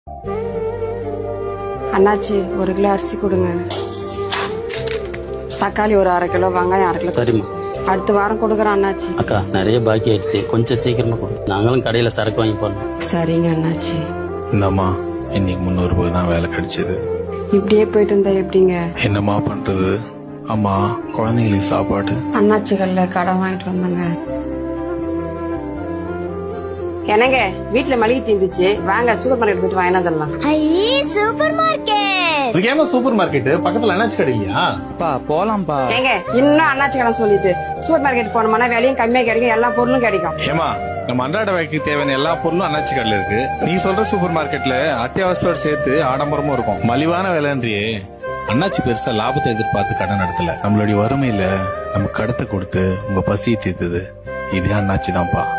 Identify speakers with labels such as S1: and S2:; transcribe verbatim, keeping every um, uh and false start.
S1: அண்ணாச்சி ஒரு கிலோ அரிசி கொடுங்க. தக்காளி ஒரு அரை கிலோ, வெங்காயம் அரை கிலோ.
S2: சரிம்மா.
S1: அடுத்த வாரம் கொடுக்குறேன் அண்ணாச்சி.
S2: அக்கா நிறைய பாக்கி ஆயிடுச்சு, கொஞ்சம் சீக்கிரமா கொடு. நாங்களும் கடையில சரக்கு வாங்கி போடணும்.
S1: சரிங்க அண்ணாச்சி.
S3: இந்தம்மா இன்னைக்கு முந்நூறு ரூபாய் தான் வேலை கிடைச்சது.
S1: இப்படியே போயிட்டு இருந்தா எப்படிங்க?
S3: என்னம்மா பண்றது? அம்மா குழந்தைங்களுக்கு சாப்பாடு.
S1: அண்ணாச்சி கல்ல கடன் வாங்கிட்டு வந்தாங்க. என்னங்க வீட்டுல மளிகை தீந்துச்சு, வாங்க சூப்பர் மார்க்கெட் போயிட்டு வாங்கினா தரலாம்.
S4: ஐயே சூப்பர் மார்க்கெட்.
S5: ஏமா சூப்பர் மார்க்கெட் பக்கத்துல அண்ணாச்சி கடை இல்லையா?
S6: பா போலாம்ப்பா.
S1: ஏங்க இன்னும் அண்ணாச்சி கடன் சொல்லிட்டு சூப்பர் மார்க்கெட் போனோம்னா விலையும் கம்மியா கிடைக்கும், எல்லா பொருளும் கிடைக்கும்.
S3: ஏமா நம்ம அன்றாட வாழ்க்கைக்கு தேவையான எல்லா பொருளும் அண்ணாச்சி கடையில இருக்கு. நீ சொல்ற சூப்பர் மார்க்கெட்ல அத்தியாவசியோட சேர்த்து ஆடம்பரமும் இருக்கும். மலிவான விலைன்றியே. அண்ணாச்சி பெருசா லாபத்தை எதிர்பார்த்து கடன் நடத்தல. நம்மளுடைய வறுமையில நம்ம கடத்தை கொடுத்து உங்க பசியை தீர்த்தது இதே அண்ணாச்சி தான்ப்பா.